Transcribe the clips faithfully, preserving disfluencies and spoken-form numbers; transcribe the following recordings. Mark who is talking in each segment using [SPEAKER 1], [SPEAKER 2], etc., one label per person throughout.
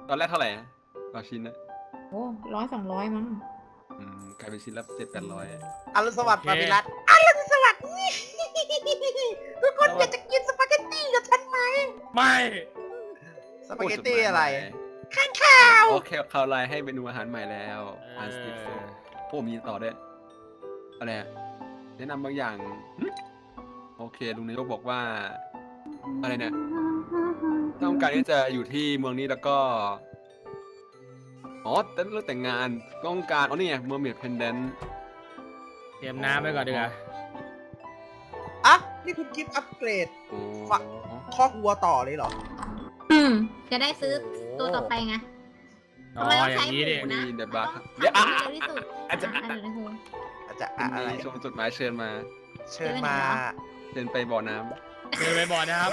[SPEAKER 1] ตอนแรกเท่าไหร่ต่อชิ้นนะ
[SPEAKER 2] โอ้ร้อยสองร้อยมั้ง
[SPEAKER 1] อืมกลายเป็นชิ้นละเจ็ดแปดร้อย
[SPEAKER 3] อรุณสวัสดิ์ปามิรัตอรุณสวัสดิ์ทุกคนอยากจะกินสปาเกตตี้กับฉันไหม
[SPEAKER 4] ไม่
[SPEAKER 3] สปาเกตตี้อะไร
[SPEAKER 1] ข้างข้าวโอเคข่าวไลน์ให้เมนูอาหารใหม่แล้วอันสติฟโฟโอ้มีต่อด้วยอะไรแนะนำบางอย่างโอเคลุงนายกบอกว่าอะไรเนี่ยต้องการที่จะอยู่ที่เมืองนี้แล้วก็อ๋อแต่เรื่องแต่งงานต้องการอ๋อนี่ไงเมอร์เมดเพนเดนต์
[SPEAKER 4] เตรียมน้ำไปก่อนดีกว่า
[SPEAKER 3] อ่ะนี่คุณกิฟต์อัปเกรด
[SPEAKER 1] โอ้
[SPEAKER 3] คอกวัวต่อเลยเหรอ
[SPEAKER 2] อืมจะได้ซื้อตัวต่อไปไง
[SPEAKER 4] อ๋อ
[SPEAKER 2] ทำไมต้อง
[SPEAKER 4] อ
[SPEAKER 2] ใช้
[SPEAKER 4] ย่าง
[SPEAKER 2] ห
[SPEAKER 4] นี้ดิ
[SPEAKER 2] มูนะ
[SPEAKER 1] มีเดบัก
[SPEAKER 2] เดี๋ยวอ่ะเร็วที่สุด
[SPEAKER 1] อาจจะ
[SPEAKER 2] อ่ะเดี๋ยวในหู
[SPEAKER 3] อาจจะ
[SPEAKER 1] อะ
[SPEAKER 3] อะไร
[SPEAKER 1] ชมจดหมายเชิญมา
[SPEAKER 3] เชิญมา
[SPEAKER 1] เชิญไปบ่อน้
[SPEAKER 4] เดินไปบ่อนะครับ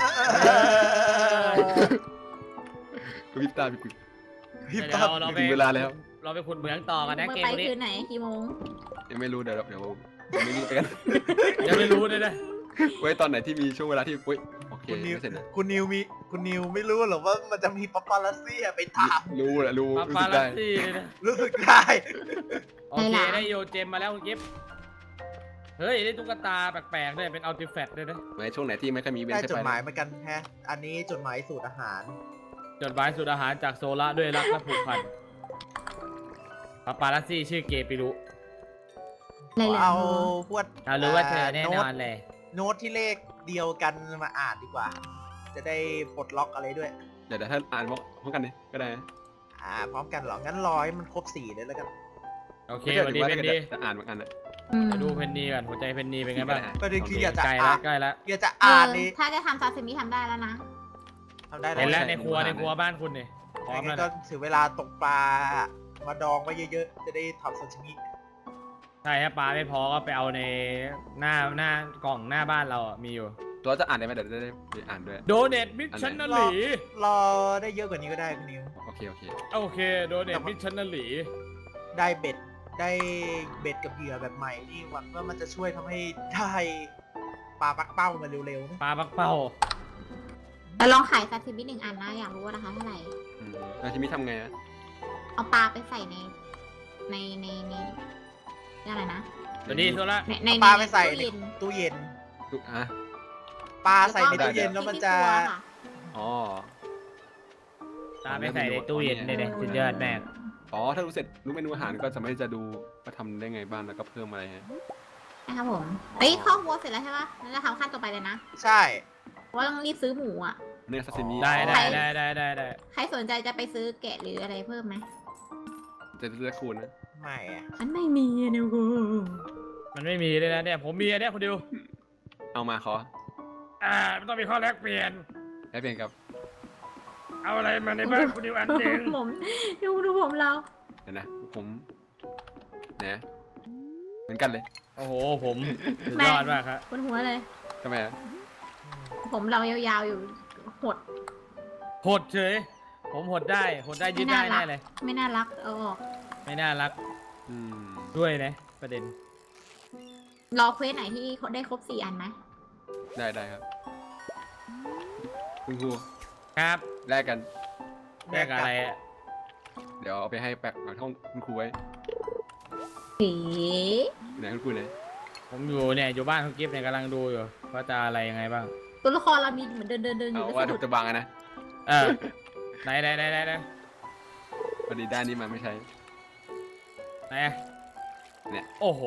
[SPEAKER 1] ำกระพริบตาปิด
[SPEAKER 3] พี่
[SPEAKER 4] เดี๋
[SPEAKER 3] ป๊
[SPEAKER 4] ย
[SPEAKER 3] อ
[SPEAKER 4] ว
[SPEAKER 3] บ
[SPEAKER 4] เราไป
[SPEAKER 1] ถึงเวลาแล้ว
[SPEAKER 4] เราไปขุดเหมืองต่อกันนะ
[SPEAKER 2] เมื่อ
[SPEAKER 4] เกม
[SPEAKER 2] ไป
[SPEAKER 4] นี้
[SPEAKER 2] คืนไหนกี่โมง
[SPEAKER 1] ยังไม่รู้เดี๋ยวเดี๋ยวยังไม่รู้ไปกัน
[SPEAKER 4] ยังไม่รู้เลยนะ
[SPEAKER 1] ไว้ตอนไหนที่มีช่วงเวลาที่อุ้ยโอเค
[SPEAKER 3] คุณนิว
[SPEAKER 1] ไม่เสร็จนะ
[SPEAKER 3] คุณนิวมีคุณนิวไม่รู้หรอว่ามันจะมีปาปาลัสซี่ไปตาม
[SPEAKER 1] รู้แหละรู้
[SPEAKER 4] ปา
[SPEAKER 1] รู้
[SPEAKER 4] ปา
[SPEAKER 1] สึก
[SPEAKER 4] ลั
[SPEAKER 1] ได้
[SPEAKER 4] สซี่เลยนะ
[SPEAKER 3] รู้สึกได้
[SPEAKER 4] โอเคได้โยเจมมาแล้วคุณกิฟต์เฮ้ยได้ตุ๊กตาแปลกๆด้วยเป็นอัลติแฟตด้วยนะ
[SPEAKER 1] ไว้ช่วงไหนที่ไม่ค่อยมีเว้น
[SPEAKER 3] ได้
[SPEAKER 1] ใช่
[SPEAKER 3] จด
[SPEAKER 1] ไป
[SPEAKER 3] หมายเหมือนกันแฮะอันนี้จดหมายสูตรอาหาร
[SPEAKER 4] จดหมายสูตรอาหารจากโซล่าด้วยรักและผูกพันปาปาลัสซี่ชื่อเกปิรุ
[SPEAKER 2] อะไรเหรอ
[SPEAKER 3] เอาพวก
[SPEAKER 4] เรารู้ว่าเธอแน่นอนเลย
[SPEAKER 3] โน้ตที่เลขเดียวกันมาอ่านดีกว่า จะได้ปลดล็อกอะไรด้วย
[SPEAKER 1] เดี๋ยวเดี๋ยวถ้าอ่านพร้อมกันดิก็ได้นะ
[SPEAKER 3] อ่าพร้อมกันเหรอ งั้นร้อยมันครบสี่เลยแล้วกัน
[SPEAKER 4] โอเค
[SPEAKER 1] ไม่
[SPEAKER 4] วัน
[SPEAKER 1] ใช่
[SPEAKER 4] นี้
[SPEAKER 1] ถื
[SPEAKER 4] เพ
[SPEAKER 1] อว่า
[SPEAKER 4] นนี
[SPEAKER 1] จะอ่านเหมือนกันนะ
[SPEAKER 2] อืม
[SPEAKER 4] มาดูเพนนีก่อนหัวใจเพนนีเป็นไงบ้าง
[SPEAKER 3] ประเด็นคืออยากจะ
[SPEAKER 4] ใกล้
[SPEAKER 3] อ่า
[SPEAKER 4] แล้ว
[SPEAKER 3] น
[SPEAKER 4] ใกล้แล้ว
[SPEAKER 3] อยากจะ
[SPEAKER 2] เอ
[SPEAKER 3] อ่าน
[SPEAKER 2] อ
[SPEAKER 3] นี่
[SPEAKER 2] ถ้าจะทำซาซิมิทำได้แล้วนะ
[SPEAKER 3] ทำได้
[SPEAKER 4] เห็นแล้ว
[SPEAKER 3] ว
[SPEAKER 4] ในครัวในครัวบ้านคุณนี่พร้อม
[SPEAKER 3] งั้
[SPEAKER 4] แล้ว
[SPEAKER 3] นก็
[SPEAKER 4] นะ
[SPEAKER 3] ถึงเวลาตกปลา มาดองไว้เยอะๆ จะได้ทำซาชิมิ
[SPEAKER 4] ใช่ถ้าปลาไม่พอก็ไปเอาในหน้าหน้ากล่องหน้าบ้านเราอะมีอยู่
[SPEAKER 1] ตัวจะอ่านได้ไหมเดี๋ยวจะได้ไปอ่านด้วย
[SPEAKER 4] โดเนทมิชชันนาลี
[SPEAKER 3] รอได้เยอะกว่านี้ก็ได้คุณนิว
[SPEAKER 1] โอเคโอเค
[SPEAKER 4] โอเคโดเนทมิชชันนาลี
[SPEAKER 3] ได้เบ็ด ได้เบ็ดกับเหยื่อแบบใหม่นี่หวังว่ามันจะช่วยทำให้ได้ปลาปักเป้ามาเร็วๆนะ
[SPEAKER 4] ปลาปักเป้า
[SPEAKER 2] แต่ลองขายซาซิมิหนึ่งอันนะอยากรู้ว่าราคาเท่าไหร่
[SPEAKER 1] อืมแล้วทีนี้ทำไงอะ
[SPEAKER 2] เอาปลาไปใส่ใน ในในในนี่อะไรนะ
[SPEAKER 4] สวัสดีโซล่า
[SPEAKER 3] ในใน
[SPEAKER 2] ใน
[SPEAKER 3] ปลาไปใส่
[SPEAKER 2] ตู้
[SPEAKER 3] ใน
[SPEAKER 2] เย็น
[SPEAKER 3] ตู้เย็น
[SPEAKER 1] ทุกอ่ะ
[SPEAKER 3] ปลาใส่ในตู้เย็นแล้วมันจะ
[SPEAKER 2] ที่ครัวค่ะ
[SPEAKER 1] อ๋อ
[SPEAKER 4] ตาไปใส่ในตู้เย็นเลยเนี่ยสุดยอดแม่
[SPEAKER 1] อ๋อถ้ารู้เสร็จรู้เมนูอาหารก็สามารถที่จะดูว่าทำได้ไงบ้างแล้วก็เพิ่มอะไรฮะ
[SPEAKER 2] นะครับผมเฮ้ยข้าววัวเสร็จแล้วใช่ปะงั้นเราทำขั้นต่อไปเลยนะ
[SPEAKER 3] ใช่
[SPEAKER 2] เพราะว่าต้องรีบซื้อหมูอ่ะ
[SPEAKER 1] เนื้อซาซิมิ
[SPEAKER 4] ได้ได้ได้ได้ได้ได้
[SPEAKER 2] ใครสนใจจะไปซื้อแกะหรืออะไรเพิ่มไหม
[SPEAKER 1] จะเลือกคูณนะ
[SPEAKER 3] ไม่อะ
[SPEAKER 2] มันไม่มีอะนิวกู
[SPEAKER 4] มันไม่มีเลยนะเนี่ยผมมีอันเนี้ยคนเดียว
[SPEAKER 1] เอามาขอ
[SPEAKER 4] อ่าไม่ต้องมีข้อแลกเปลี่ยน
[SPEAKER 1] ให้เปลี่ยนกับ
[SPEAKER 4] เอาอะไรมาในบ้านคุณดิวอันหนึ่ง
[SPEAKER 2] ผมดูดูผมเรา
[SPEAKER 1] เดี๋ยวนะผมเนี่ยเหมือนกันเลย
[SPEAKER 4] โอ้โหผมสุดยอดมากครับ
[SPEAKER 2] บนหัวเลย
[SPEAKER 1] ทำไมอะ
[SPEAKER 2] ผมเรายาวๆอยู่หด
[SPEAKER 4] หดเฉยผมหดได้หดได้ยืดได้แน่เลย
[SPEAKER 2] ไม่น่ารักเอาออก
[SPEAKER 4] ไม่น่ารัก
[SPEAKER 1] อืม
[SPEAKER 4] ด้วยนะประเด็น
[SPEAKER 2] รอเควสไหนที่ได้ครบสี่อันไหม
[SPEAKER 1] ได้ได้ครับคุณครู
[SPEAKER 4] ครับ
[SPEAKER 1] แลกกัน
[SPEAKER 4] แลกอะไรอะ
[SPEAKER 1] เดี๋ยวเอาไปให้แปะหลังห้องคุณครูไว้
[SPEAKER 2] ผี
[SPEAKER 1] ไหนคุณครูไหน
[SPEAKER 4] ผมอยู่เนี่ยอยู่บ้านคุณกิฟต์เนี่ยกำลังดูอยู่ว่าจะอะไรยังไงบ้าง
[SPEAKER 2] ตัวละครเรามีเหมือนเดินเดินเดินอยู่
[SPEAKER 1] เอา
[SPEAKER 2] แล้ว
[SPEAKER 1] ว่า
[SPEAKER 2] สะ
[SPEAKER 1] ถู
[SPEAKER 2] ดุด
[SPEAKER 1] กจะบังอะนะ
[SPEAKER 4] เออไหนไหนไหนไหนไหน
[SPEAKER 1] พอดีด้านนี้มาไม่ใช่
[SPEAKER 4] ไหน
[SPEAKER 1] เนี่ย
[SPEAKER 4] โอ้โห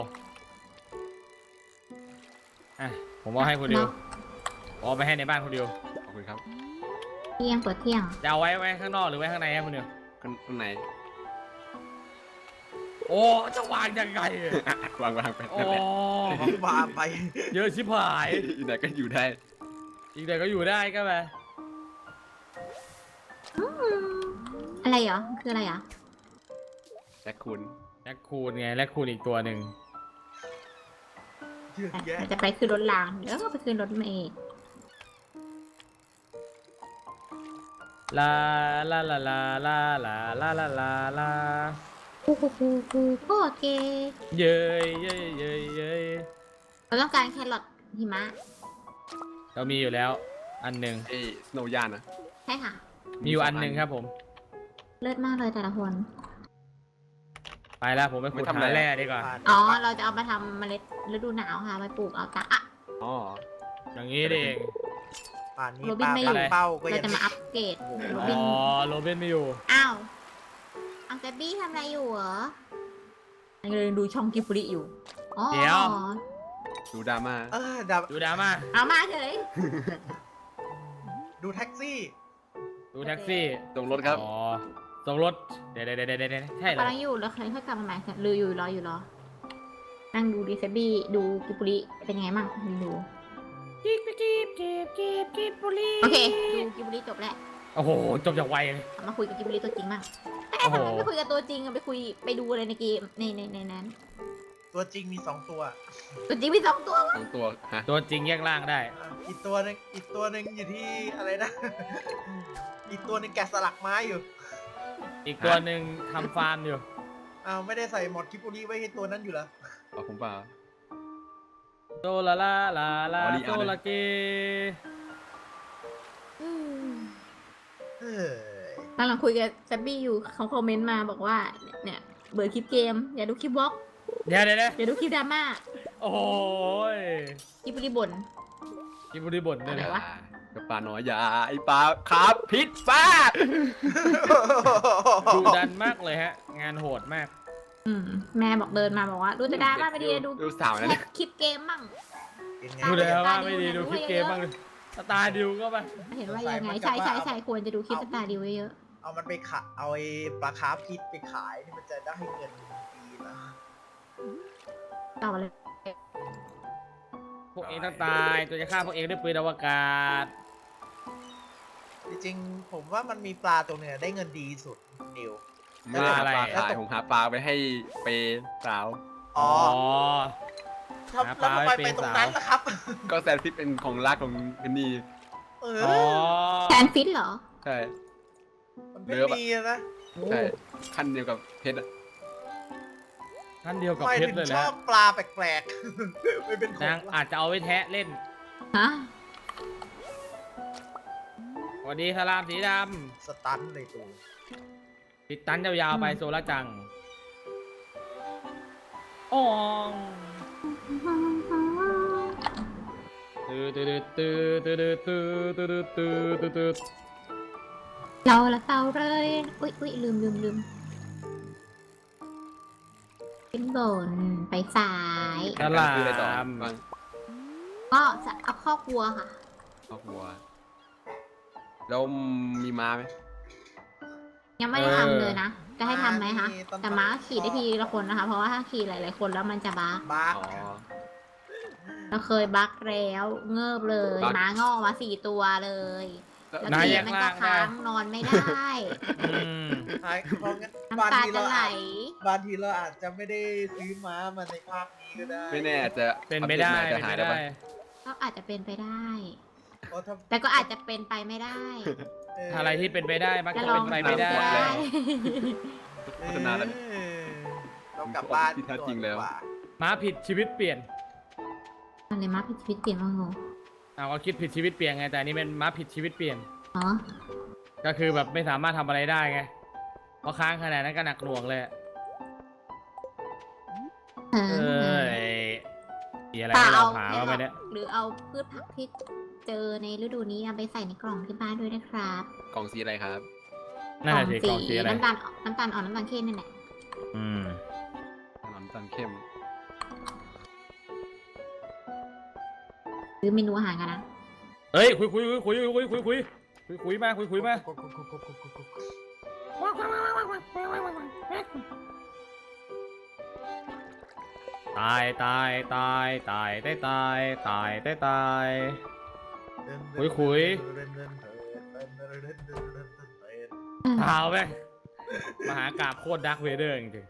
[SPEAKER 4] อ่ะผมเอาให้คุณดิวเอาไปให้ในบ้านคุณดิว
[SPEAKER 1] ขอบคุณครับ
[SPEAKER 2] เที่ยงเปิดเที่ยง
[SPEAKER 4] จะเอาไว้ไว้ข้างนอกหรือไว้ข้างในครับคุณดิว
[SPEAKER 1] ข้างข้างใน
[SPEAKER 4] โอ้จะวางยังไงอะ
[SPEAKER 1] วางวางไป
[SPEAKER 4] โอ้
[SPEAKER 1] นั่นแหละ
[SPEAKER 3] วางไป
[SPEAKER 4] เยอะชิบหาย
[SPEAKER 1] อีกไหนก็อยู่ได้
[SPEAKER 4] อีกเดี๋ยวก็อยู่ได้ก็ไป
[SPEAKER 2] อืมอะไรเหรอคืออะไรเหรอ
[SPEAKER 1] แจ็คคุณ
[SPEAKER 4] แลคคูนไงแลคคูนอีกตัวหนึ่ง
[SPEAKER 3] เยอะแยะ
[SPEAKER 2] จะไปคืนรถรางแล้วก็ไปคืนรถเมย์
[SPEAKER 4] ลาลาลาลาลาลาลาลาลาลา
[SPEAKER 2] คูคูคูคูโอเค
[SPEAKER 4] เย้ยเย้ยเย้ยเย้ย
[SPEAKER 2] เราต้องการแครอทหิมะ
[SPEAKER 4] เรามีอยู่แล้ว อันหนึ่ง
[SPEAKER 1] ไอ้สโนว์ยานนะ
[SPEAKER 2] ใช่ค่ะ
[SPEAKER 4] มีอยู่อันหนึ่งครับผม
[SPEAKER 2] เลิศมากเลยแต่ละคน
[SPEAKER 4] ไปแล้วผมไปขุดหาแร่ดีกว่า
[SPEAKER 2] อ๋อ เราจะเอามาทำเมล็ดฤดูหนาวค่ะไปปลูกเอาตาอ่ะ
[SPEAKER 1] อ๋อ
[SPEAKER 4] อย่างนี้เอง
[SPEAKER 3] ป่านนี้
[SPEAKER 2] โรบิน
[SPEAKER 3] ปลา
[SPEAKER 2] ไม่อยู่
[SPEAKER 3] ปักเป้าก็
[SPEAKER 2] เรา
[SPEAKER 3] ยัง
[SPEAKER 2] จะมาอัปเกรดโรบิน
[SPEAKER 4] อ๋อโรเบนไม่อยู่
[SPEAKER 2] อ้าวอังเกบี้ทำอะไรอยู่เหรอยังเลยดูช่องกิฟฟรีอยู่อ๋อ
[SPEAKER 4] เดี๋ยว
[SPEAKER 1] ดูดราม่า
[SPEAKER 3] เออดับ
[SPEAKER 4] ดูดราม่า
[SPEAKER 2] เอามาเฉย
[SPEAKER 3] ดูแท็กซี่
[SPEAKER 4] ดูแท็กซี่
[SPEAKER 1] ตรงรถครับ
[SPEAKER 4] อ๋อส่งรถเดี๋ยวเดี๋ยวเดี๋ยวเดี๋ยวใช่เหรอก
[SPEAKER 2] ำลังอยู่แล้วเคยค่อยกลับมาใหม่ลืออยู่รออยู่รอ นั่งดูดีเซบี้ดูกิฟฟรีเป็นไงมั่งดู
[SPEAKER 4] จีบจีบจีบจีบจีบบุรี
[SPEAKER 2] โอเคดูกิฟฟรีจบแล้ว
[SPEAKER 4] โอ้โหจบจากไวเลย
[SPEAKER 2] เอามาคุยกับกิฟฟรีตัวจริงมั่งแต่
[SPEAKER 4] โอ้โห
[SPEAKER 2] ทำไมไม่คุยกับตัวจริงอะไปคุยไปดูอะไรในเกมในในในนั้น
[SPEAKER 3] ตัวจริงมีสองตัว
[SPEAKER 2] ตัวจริงมีสองตัว
[SPEAKER 1] สองตัวฮะ
[SPEAKER 4] ตัวจริงแยกล่างได้
[SPEAKER 3] อ่ะอีกตัวหนึงอีกตัวหนึงอยู่ที่อะไรนะ อีกตัวหนึงแกะสลักไม้อยู่
[SPEAKER 4] อีกตัวหนึ่งทำฟาร์มอยู่
[SPEAKER 3] อ้าวไม่ได้ใส่หมอดคิปุริไว้ให้ตัวนั้นอยู่เหรอ
[SPEAKER 1] เอาผมเปล่า
[SPEAKER 4] โซลาลาลาลา
[SPEAKER 1] อ๋อนี่
[SPEAKER 4] โซ
[SPEAKER 1] อ่านเลย
[SPEAKER 4] ลาเก
[SPEAKER 2] อืม
[SPEAKER 3] เฮ้ย
[SPEAKER 2] กำลังคุยกับแซบบี้อยู่เขาคอมเมนต์มาบอกว่าเนี่ยเบื่อคลิปเกม อย่าดูคลิปวอล์ก
[SPEAKER 4] เดี๋ยวเดี๋ยวเดี๋ยว
[SPEAKER 2] อย่าดูคลิปดราม่า
[SPEAKER 4] โอ้ย
[SPEAKER 2] คลิปบริบ่น
[SPEAKER 4] กินบุรีบ่นด้วย
[SPEAKER 2] อะไร
[SPEAKER 4] นะ
[SPEAKER 2] วะ
[SPEAKER 1] กับปลาน้อยอยาไอปลาครับพิษฟ้า
[SPEAKER 4] ดูดันมากเลยฮะ งานโหดมาก
[SPEAKER 2] อืมแม่บอกเดินมาบอกว่า ดูแต่ดราม่าไม่ดีเลยดู
[SPEAKER 1] ดูสาวนะ
[SPEAKER 2] แค่
[SPEAKER 1] เนี่ย
[SPEAKER 2] คลิปเกมมั่ง
[SPEAKER 3] เป็นไง
[SPEAKER 4] ดูแล้วว่า
[SPEAKER 2] ตาดิว
[SPEAKER 4] ไม่ดี
[SPEAKER 2] เนี่ย
[SPEAKER 4] ดูคลิป
[SPEAKER 2] ดู
[SPEAKER 4] เก
[SPEAKER 2] เย
[SPEAKER 4] ม
[SPEAKER 2] อะ
[SPEAKER 4] บ้างเลยสตาร์ดิวก็ไป
[SPEAKER 2] เห็นว่ายังไงใช่ใช่ใช่ควรจะดูคลิปสตาร์ดิวเยอะ
[SPEAKER 3] เอามันไปขายเอาไอ้ปลาคาร์ฟพิษไปขายนี่มันจะได้เงินดีนะ
[SPEAKER 2] ๆต่อเลย
[SPEAKER 4] พวกเองต้องตายตัวจะฆ่าพวกเองด้วยปืนอวกาศ
[SPEAKER 3] จริงๆผมว่ามันมีปลาตัวหนึงอะได้เงินดีสุดนิว
[SPEAKER 1] ไม่ได้หา
[SPEAKER 4] อะไร
[SPEAKER 1] ปลาขายผมหาปลาไปให้เปย์สาว
[SPEAKER 3] อ๋อ
[SPEAKER 4] อ๋อ
[SPEAKER 3] ครับ
[SPEAKER 4] หาป
[SPEAKER 3] แล้ว
[SPEAKER 4] ลา
[SPEAKER 3] ทำไม
[SPEAKER 4] ไว้
[SPEAKER 3] ไป
[SPEAKER 4] เป็น
[SPEAKER 3] ตรง
[SPEAKER 4] สาว
[SPEAKER 3] นั้นล่ะครับ
[SPEAKER 1] ก็แซนฟิตเป็นของรักของเพนนี่
[SPEAKER 3] เอ
[SPEAKER 4] อ๋อ
[SPEAKER 3] อ
[SPEAKER 2] แฟนฟิตเหรอ
[SPEAKER 1] ใช่
[SPEAKER 3] มันเป็นดีอะนะ
[SPEAKER 1] ใช่ขั้นเดียวกับเพชรอะ
[SPEAKER 4] ท่านเดียวกับ
[SPEAKER 3] ทำไม
[SPEAKER 4] เพช
[SPEAKER 3] ถึ
[SPEAKER 4] รง เลย
[SPEAKER 3] ช
[SPEAKER 4] แห
[SPEAKER 3] อ
[SPEAKER 4] ละ
[SPEAKER 3] บปลาแปลกๆ ไม่เป็นขอน
[SPEAKER 4] าง
[SPEAKER 3] ง
[SPEAKER 4] อาจจะเอาไว้แทะเล่น
[SPEAKER 2] ฮะ
[SPEAKER 4] สวัสดีสลามสีด
[SPEAKER 3] สตันเลยตัว
[SPEAKER 4] ำติดตันยาวๆไปโซล่าจังอ๋องตื้อตื้อตื้อตื้อตื้อตื้อตื้อตื้อตื้อ
[SPEAKER 2] เราละเตาเลยอุ้ยอุ้ยลืมลืมลืมขึ้นบนไปซ้าย
[SPEAKER 4] สลา
[SPEAKER 1] คืออะไรต่อ
[SPEAKER 4] ม
[SPEAKER 1] บ้าง
[SPEAKER 2] ก็จะเอาข้อกวัวค่ะ
[SPEAKER 1] ครอบครัวแล้วมีม้าไหม
[SPEAKER 2] ยังไม่ได้ทำเลยนะ จะให้ทำไหมคะ แต่ม้าขี่ได้ทีละคนนะคะ เพราะว่าถ้าขี่หลายๆคนแล้วมันจะบัก
[SPEAKER 3] บ้า
[SPEAKER 1] อ๋อ
[SPEAKER 2] เราเคยบักแล้วเงิบเลย
[SPEAKER 1] บั๊ก
[SPEAKER 2] ม้างอกมาสี่ตัวเลย
[SPEAKER 1] แล้ว
[SPEAKER 2] แล้ว
[SPEAKER 4] นาย
[SPEAKER 2] ที
[SPEAKER 4] แยก
[SPEAKER 2] มัน
[SPEAKER 4] ล่า
[SPEAKER 2] ก็
[SPEAKER 4] งได้
[SPEAKER 2] ค้างนอนไม่ได้
[SPEAKER 4] อืม
[SPEAKER 3] ใช่เพราะงั้น
[SPEAKER 2] น้ำ
[SPEAKER 3] บาง
[SPEAKER 2] ตา
[SPEAKER 3] ที
[SPEAKER 2] จะ
[SPEAKER 3] เรา
[SPEAKER 2] ไหล
[SPEAKER 3] อาจบางทีเราอาจจะไม่ได้ซื้อม้ามาในภาคนี้ก็ได้
[SPEAKER 1] ไม่แน่อาจจะ
[SPEAKER 4] เป็นไปได้
[SPEAKER 1] อัปเต
[SPEAKER 4] เป็น
[SPEAKER 1] ใหม่
[SPEAKER 4] ไป
[SPEAKER 1] จะหายได้
[SPEAKER 4] ได้
[SPEAKER 1] ปะ
[SPEAKER 2] ก็อาจจะเป็นไปได้
[SPEAKER 3] เพราะถ้า
[SPEAKER 2] แต่ก็อาจจะเป็นไปไม่ได้
[SPEAKER 3] เ
[SPEAKER 4] อะไรที่เป็นไปได้มัก
[SPEAKER 2] จะ
[SPEAKER 4] จะ
[SPEAKER 2] ลอ
[SPEAKER 4] เป็
[SPEAKER 2] ง
[SPEAKER 4] นไปไม่ได้
[SPEAKER 1] หมดแล้ว พัฒนาแล้ว
[SPEAKER 3] เออเรากลับบ้าน
[SPEAKER 1] ที่แท้จริงแล้ว
[SPEAKER 3] ดีกา
[SPEAKER 4] ม้าผิดชีวิตเปลี่ยน
[SPEAKER 2] มันเลยม้าผิดชีวิตเปลี่ยนบ้างเหรอ
[SPEAKER 4] เอาก็คิดผิดชีวิตเปลี่ยนไงแต่อันนี้เป็นม้าผิดชีวิตเปลี่ยน
[SPEAKER 2] อ๋อ
[SPEAKER 4] ก็คือแบบไม่สามารถทำอะไรได้ไงเพราะค้างขนาดนั้นก็หนักหน่วงเลยอะ
[SPEAKER 2] เอ
[SPEAKER 4] เอ
[SPEAKER 2] อ
[SPEAKER 4] อมีอะไร
[SPEAKER 2] เปล่า
[SPEAKER 4] ให้เรา
[SPEAKER 2] เอา
[SPEAKER 4] หา
[SPEAKER 2] ไม่
[SPEAKER 4] บ้างไหม
[SPEAKER 2] หร
[SPEAKER 4] เนี่ย
[SPEAKER 2] อกหรือเอาพืชผักที่เจอในฤดูนี้เอาไปใส่ในกล่องที่บ้านด้วยนะครับ
[SPEAKER 1] กล่องสีอะไรครับ
[SPEAKER 4] นั่นแหละสิกองสีอะไร
[SPEAKER 2] น้ำตาลน้ำตาลอ่อนน้ำตาลเข้มนั่นแหละ
[SPEAKER 4] อืม
[SPEAKER 1] ถนนตันเข้ม
[SPEAKER 2] หรือเมนูอาหารกันนะ
[SPEAKER 4] เฮ้ยคุยคุยคุยคุยคุยคุยคุยคุยคุยมาคุยคุยมาตายตายตายตายได้ตายตายได้ตาย คุยคุย เท้าแม่งมหากาบโคตรดักเวเดอร์จริง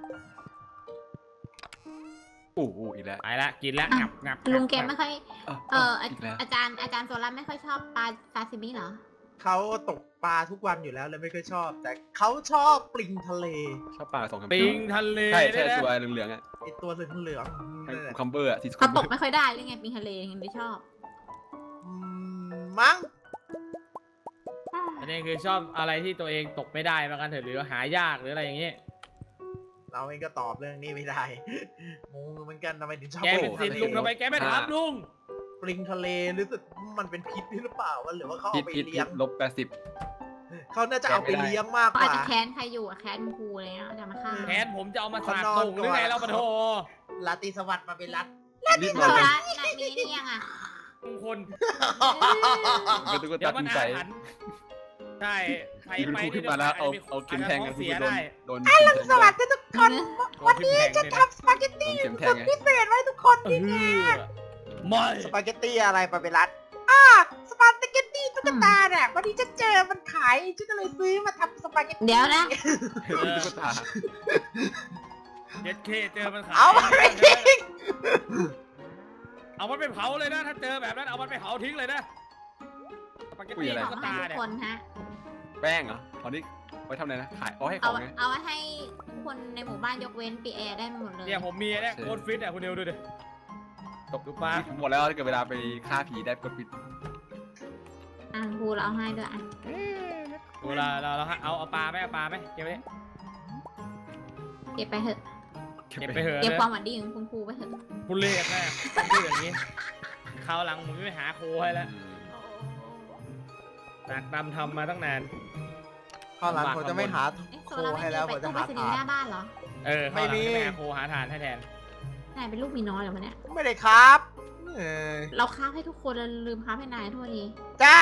[SPEAKER 1] โอ้โหอีกแล้ว
[SPEAKER 4] ๆไปละกินละงับงับ
[SPEAKER 2] ลุงแกไม่ค่อย
[SPEAKER 1] อ่ะ
[SPEAKER 2] เอออา
[SPEAKER 1] อีกแล้ว
[SPEAKER 2] อาจารย์อาจารย์โซล่าไม่ค่อยชอบปลาซาซิมิเหรอ
[SPEAKER 3] เขาตกปลาทุกวันอยู่แล้วเลยไม่ค่อยชอบ แต่เขาชอบปลิงทะเล
[SPEAKER 1] ชอบปลาสองคำ
[SPEAKER 4] ปิงทะเล
[SPEAKER 1] ใช่ใช่
[SPEAKER 4] ด้วยนะ
[SPEAKER 1] ตัวเหลืองๆอ่ะ
[SPEAKER 3] ไอตัวเหลืองๆนั่นแหละ
[SPEAKER 1] คัมเบอร์อ่ะที่
[SPEAKER 2] เขาตกไม่ค่อยได้หรือไงปิงทะเลยังไม่ชอบ
[SPEAKER 3] อืมมั้ง
[SPEAKER 4] อันด็นคือชอบอะไรที่ตัวเองตกไม่ได้มากันเถอะหรือหายากหรืออะไรอย่างงี้
[SPEAKER 3] เราเองก็ตอบเรื่องนี้ไม่ได้งงเหมือนกันทำไมถึงชอบ
[SPEAKER 4] แกเป็นสิทธิ์ลุงทำไมแกไม่ถามลุง
[SPEAKER 3] ปลิงทะเลรู้สึกมันเป็นพิษหรือเปล่าวะหรือว่าเขา
[SPEAKER 1] พิ
[SPEAKER 3] เอา
[SPEAKER 1] ษ
[SPEAKER 3] ไป
[SPEAKER 1] พิษ
[SPEAKER 3] เลี้ยง
[SPEAKER 1] ลบแปดสิบ
[SPEAKER 3] เขาน่าจะเอาไปเลี้ยงมาก
[SPEAKER 2] เขา
[SPEAKER 3] ก
[SPEAKER 2] อาจ
[SPEAKER 3] ว่า
[SPEAKER 2] จะแค้นใครอยู่อะแค้นครูอะไรเงี้ยจะมาฆ่า
[SPEAKER 4] แทนผมจะเอามาสาด
[SPEAKER 3] เขานอน
[SPEAKER 4] ตุ่งหรือไง
[SPEAKER 3] ก่อน
[SPEAKER 4] เราปะโท
[SPEAKER 3] ลาตรีสวัสดิ์มาเป็นรัฐ
[SPEAKER 1] รีบ
[SPEAKER 2] โซ
[SPEAKER 1] มา
[SPEAKER 2] ล่าน่ะมีนี่ยังอ่ะ
[SPEAKER 4] มงคล
[SPEAKER 1] เป็นตุ๊ก
[SPEAKER 4] เดี๋ย
[SPEAKER 1] ตาว
[SPEAKER 4] มัน
[SPEAKER 1] ตีใจ
[SPEAKER 4] อาถรรพ์ใช่ใคร
[SPEAKER 1] คุณ
[SPEAKER 4] ไป
[SPEAKER 1] ครูขึ้นมาแล้วเอาเอาเข็มแทงกัน
[SPEAKER 4] เสี
[SPEAKER 1] คุณ
[SPEAKER 4] ย
[SPEAKER 1] โดน
[SPEAKER 4] ได้
[SPEAKER 1] โดน
[SPEAKER 3] อรุณสวัสดิ์ทุกคน
[SPEAKER 4] วันนี้จะทำ
[SPEAKER 3] สปาเกตตี้
[SPEAKER 1] เข็มแท
[SPEAKER 3] สุ
[SPEAKER 1] ง
[SPEAKER 3] ด
[SPEAKER 1] ไง
[SPEAKER 3] พิเศษไว้ทุกคน
[SPEAKER 4] เออไม่
[SPEAKER 3] สปาเกตตี้อะไรมาเป็นรัฐอ่าสปาเกตตี้ตุ๊กตาเนี่ยวันนี้ฉันเจอมันขายฉันก็เลยซื้อมาทำสปาเกตตี้
[SPEAKER 2] เดี๋ยวนะ
[SPEAKER 1] ตุ๊กตา
[SPEAKER 4] เจ็ดเคเจอมันขาย
[SPEAKER 3] เอามาไปทิ้ง
[SPEAKER 4] เอามันไปเผาเลยนะ ถ้าเจอแบบนั้นเอามันไปเผาทิ้งเลยนะสปาเกตตี้
[SPEAKER 2] ข
[SPEAKER 4] ตุ๊
[SPEAKER 2] อก ให้
[SPEAKER 4] ตา
[SPEAKER 2] ทุก
[SPEAKER 4] เนี่ย
[SPEAKER 2] คนฮะ
[SPEAKER 1] แป้งเหรอตอนนี้ไว้ทำอะไรนะขายเอาให้ข
[SPEAKER 2] เอา
[SPEAKER 1] องไง
[SPEAKER 2] เอาไว้ให้ทุกคนในหมู่บ้านยกเว้นปีแอร์ได้หมดเลย
[SPEAKER 4] เนี่ยผมมีเนี่ยโคตรฟิตอ่ะคุณเดียวดูดิ
[SPEAKER 1] ตบ
[SPEAKER 4] ดูปลา
[SPEAKER 1] หมดแล้วถ้าเกิดเวลาไปฆ่าผีได้กดปิด
[SPEAKER 2] อ่ะครูเราเอาให้ด้วยอ่ะ
[SPEAKER 4] ดูเราเราเราเอาเอาปลาไหมเอาปลาไหมเก็บไว้
[SPEAKER 2] เก็บไปเถอะ
[SPEAKER 4] เก็บไปเถอะ
[SPEAKER 2] เก็บ
[SPEAKER 4] เลย
[SPEAKER 2] ความหวังดีของคุณครูไปเถอะ
[SPEAKER 4] คุณเล่ห์แม่พูดอย่างนี้คราวหลังผมจะไปหาโคให้แล้วตากดำทำมาตั้งนาน
[SPEAKER 3] ข้าวหลังผมจะไม่หา
[SPEAKER 2] เอ๊ะโซ
[SPEAKER 3] โค
[SPEAKER 2] ล่าไม่
[SPEAKER 3] ให้
[SPEAKER 2] มี
[SPEAKER 3] แล้ว
[SPEAKER 2] ไป
[SPEAKER 3] ผมจะ
[SPEAKER 2] ตู้ไป
[SPEAKER 3] หา
[SPEAKER 2] สนี
[SPEAKER 3] ทา
[SPEAKER 2] ย์หน้าน บ้านเหรอ
[SPEAKER 4] เออ
[SPEAKER 3] ไม่มี
[SPEAKER 4] คราวหลังจะปหาโคหาทานให้แทน
[SPEAKER 2] นายเป็นลูกมีน้อยเหรอวะเนี่ย
[SPEAKER 3] ไม่ได้ครับเออ
[SPEAKER 2] เราค้าบให้ทุกคนแล้วลืมค้าบให้นายโทษที
[SPEAKER 3] จ้าน